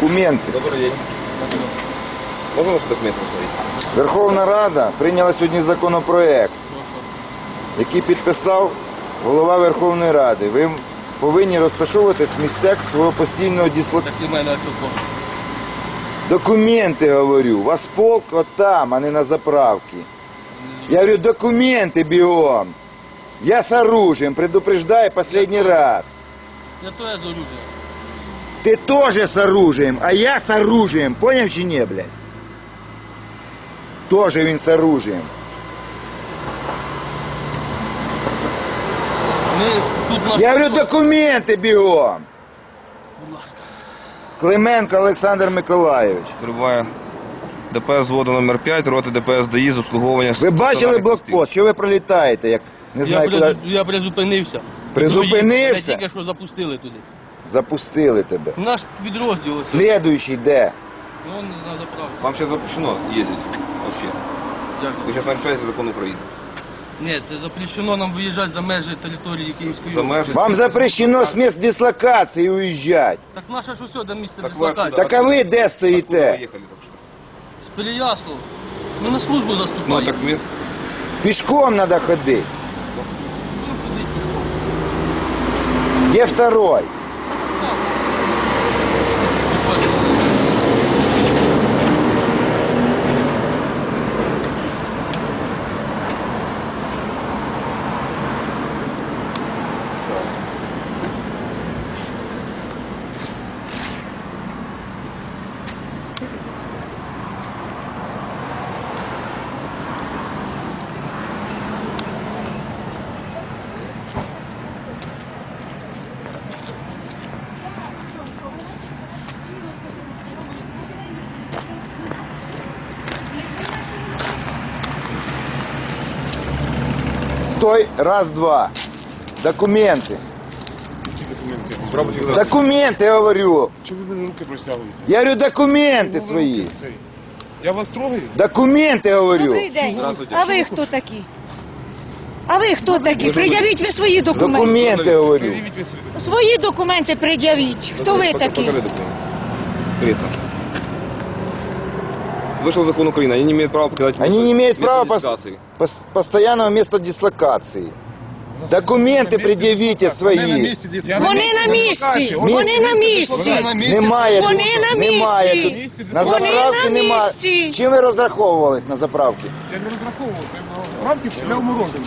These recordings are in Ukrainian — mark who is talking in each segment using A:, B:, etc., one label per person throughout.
A: Документы.
B: Добрый день. Можно ваши документы посмотреть?
A: Верховна Рада прийняла сьогодні законопроект, який підписав голова Верховної Ради. Ви повинні розташовуватись в місцях свого постійного дислокації.
C: Так і в мене ось тут.
A: Документи, говорю. У вас полк от там, а не на заправці. Я говорю, документы бегом. Я с оружием, предупреждаю последний раз.
C: Я то я з оружием.
A: Ты тоже с оружием, а я с оружием. Понял чи не, блядь? Тоже він с оружием.
C: Ми тут на...
A: Я говорю, документи бігом.
C: Будь ласка.
A: Клименко Олександр Миколайович.
B: Прибуває ДПС взводу номер 5, роти ДПС ДАІ з обслуговування...
A: Ви бачили блокпост? Що ви пролітаєте? Як не знаю, куди...
C: Я призупинився.
A: Призупинився?
C: Мене тільки що запустили туди.
A: Запустили тебе.
C: Наш підрозділ.
A: Слідуючий де?
C: Вон на заправці.
B: Вам сейчас запрещено ездить вообще.
C: Як
B: Вы сейчас нарушаете закон Украины.
C: Ні, це запрещено нам виїжджати за межі території Київської
B: За
C: області.
B: межі...
A: Вам запрещено з місць дислокації уїжджати.
C: Так наше ж усе до місця
B: Так ви
C: дислокації.
B: откуда?
A: Так а ви де
B: Откуда вы
A: стоїте?
B: ехали только что?
C: З Переяслава. Ми на службу
B: Ну
C: заступаємо.
B: так мы...
A: Пішком треба ходити.
C: Ну, ходіть.
A: Де второй? Стой, раз, два. Документи. Документи, я говорю.
D: Чого ви мені руки просягуєте?
A: Я говорю, документи свої.
D: Я вас трогаю?
A: Документи, говорю.
E: Добрий день.
B: Здравствуйте.
E: А ви хто такі? А ви хто такі? Пред'явіть ви свої документи.
A: Документи, говорю.
D: Пред'явіть ви свої документи.
E: Свої документи пред'явіть. Хто ви такі?
B: Покажи документы. Пресса. Вышел закон Украины, они не имеют права покидать...
A: Они не имеют
B: место
A: права
B: дислокации.
A: постоянного места дислокации. Документи пред'явіть свої.
E: Вони на місці. Вони на місці.
A: Немає тут.
E: Вони на
A: Немає
E: місці.
A: тут. На
E: Вони
A: заправці
E: на
A: немає.
E: місці.
A: Чим ви розраховувались на заправці?
D: Я не розраховувався. Я рамки пішляв морожене.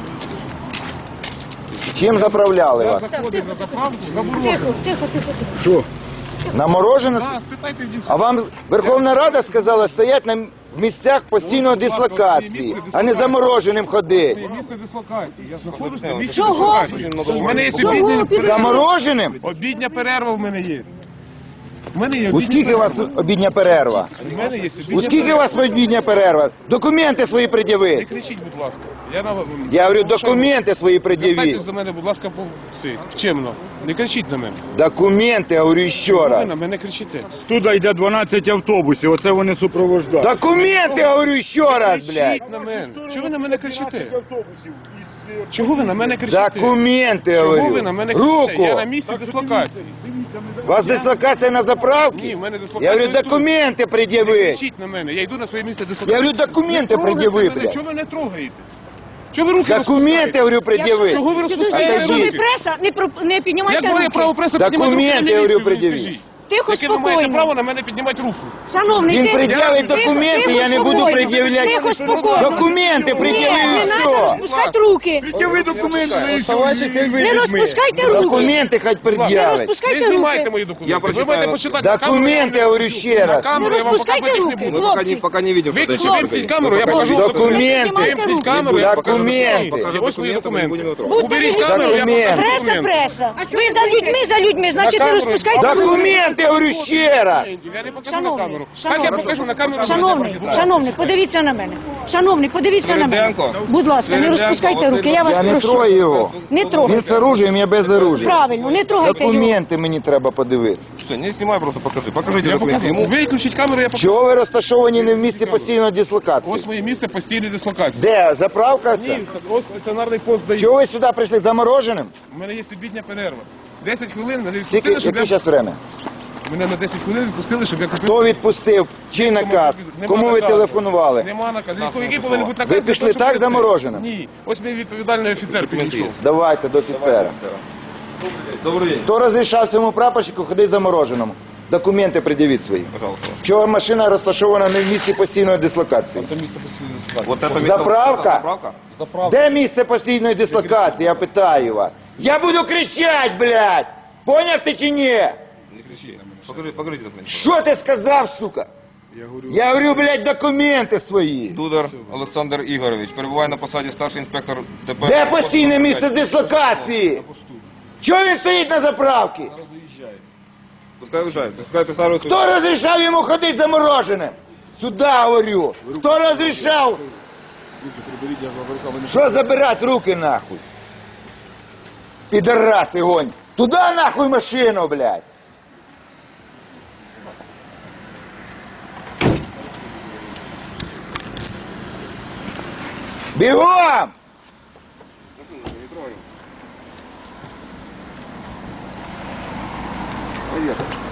A: Чим заправляли
D: Я
A: вас?
D: заходив на заправку за морожене.
E: Тихо, тихо.
A: На морожене?
D: Так, спитайте в дівчат.
A: А вам Верховна Рада сказала стоять на місцях постійної дислокації, а не замороженим ходити.
D: Моє місце дислокації. Я знаходжусь на місці
E: Чого?
D: дислокації. У мене є
E: Чого?
D: обідня перерва.
A: Замороженим?
D: Обідня перерва в мене є. У мене є
A: У
D: обідня
A: скільки у вас
D: перерва.
A: обідня перерва?
D: У мене є обідня
A: У скільки у вас обідня перерва? Документи свої
D: Не
A: пред'явіть.
D: кричіть, будь ласка.
A: Я говорю, документи свої пред'явіть.
D: Звертайтесь до мене, будь ласка, чемно. Не кричіть на мене.
A: Документи, я говорю ще
D: Ви на
A: раз.
D: мене кричите.
F: Туди йде 12 автобусів, оце вони супроводжують.
A: Документи, я говорю ще раз, блядь.
D: Кричіть на мене. Чого ви на мене кричите? Чого ви на мене кричите?
A: Документи, я
D: Чого ви
A: говорю.
D: на мене кричите?
A: Руку.
D: Я на місці дислокації.
A: У вас дислокація на заправці?
D: Ні, в мене дислокація.
A: Я говорю,
D: тут.
A: документи
D: Не
A: пред'явіть.
D: кричіть на мене. Я йду на своє місце
A: Я
D: дислокації.
A: говорю, документи
D: Не трогайте
A: пред'яви,
D: мене.
A: блядь.
D: Чого ви не трогаєте? Чого ви руки
A: Документи, я
D: розпускаєте?
A: говорю, пред'яви.
D: Чого ви розпускаєте
E: Якщо ви
D: руки?
E: преса, не піднімайте
D: Як моє
E: руки.
D: право преси піднімати руки
A: Документи,
D: на
A: я говорю,
D: міліцію, ви
A: пред'явіть.
D: скажіть?
E: Тихо,
D: Яке ви маєте
E: спокійно.
D: право на мене піднімати руку?
E: Шановний,
A: Він
E: тихо,
A: пред'явить
E: тихо,
A: документи,
E: тихо,
A: я не буду
E: спокійно.
A: пред'являти.
E: Тихо, спокійно.
A: Документи пред'яви і
E: Не треба
A: все.
E: розпускати руки.
F: Ви документи
A: Оставайтеся ви
E: Не
A: людьми.
E: розпускайте руки.
A: Документи хоч
E: Не
A: пред'явить.
D: Не
E: розпускайте
D: знімайте
E: руки.
D: мої
B: Я
D: документи. Ви
B: прочитаю.
D: маєте почитати на камеру.
A: Документи, я говорю ще раз.
D: На камеру я вам
E: розпускайте
D: показувати їх
E: руки.
D: не буду.
B: Мы
E: Хлопцы.
B: пока не видим, что
D: Виключіть,
B: это
D: вимкніть камеру, я покажу
A: Документи.
D: Вимкніть камеру, я покажу
A: Документи.
D: І ось мої документи.
E: Будьте
D: Уберіть
E: вільні.
D: камеру, я покажу
E: Преса,
D: документи.
E: преса. Ви за людьми, значить не
D: камеру.
E: розпускайте руки.
A: Документи, я говорю ще раз.
D: Я не покажу на
E: Шановний,
D: камеру. Так я
E: шановний.
D: покажу на камеру.
E: Шановний, подивіться на мене. Шановний, подивіться на мене.
B: Свириденко.
E: Будь ласка, не
B: Свириденко,
E: розпускайте руки,
B: Василь
E: я вас
A: Я не
E: прошу.
A: трою його.
E: Не
A: Він
E: трогайте.
A: з оружием, я без оружия.
E: Правильно, не трогайте його.
A: Документи мені треба подивитися.
B: Все, не снимай, просто покажи. Покажите документы ему.
D: Виключіть камеру, я покажу.
A: Чого ви розташовані не в місці постійної дислокації?
D: Ось моє місце постійної дислокації.
A: Де? Заправка це?
D: Ось стаціонарний пост дає.
A: Чого ви сюди прийшли замороженим?
D: У мене є обідня перерва. 10 хвилин, мене
A: Скільки,
D: відпустили, щоб
A: яке
D: я...
A: зараз время?
D: Мене на 10 хвилин відпустили, щоб я купив.
A: Хто відпустив? Чий наказ?
D: Нема
A: Кому ви
D: наказу.
A: телефонували?
D: Нема наказу. Який повинен бути наказ?
A: Ви
D: для
A: пішли
D: того, щоб
A: так
D: це?
A: замороженим?
D: Ні. Ось мій відповідальний офіцер підійшов.
A: Давайте до офіцера.
B: Добрий день.
A: Хто розрішав цьому прапорщику ходити замороженому? Документи пред'явіть свої.
B: Пожалуйста.
A: Чого машина розташована не в місці постійної дислокації?
D: Це місто постійної дислокації.
B: Вот это
A: Заправка?
B: Заправка?
A: Де місце постійної дислокації? Я питаю вас. Я буду кричати, блядь! Поняв ти чи ні?
B: Не кричи. Покажите документы.
A: Що ти сказав, сука? Я говорю, блядь, документи свої.
B: Дудар Олександр Ігорович перебуває на посаді старший інспектор ДПС.
A: Де постійне місце дислокації? Чого він стоїть на заправці?
B: Пускай виїжджає. Пускай присаджується.
A: Хто розрішав йому ходити замороженим? Сюда говорю. Хто розрішав? Що забирати руки нахуй? Підараси гонь. Туда нахуй машину, блядь. Бігом! Привет.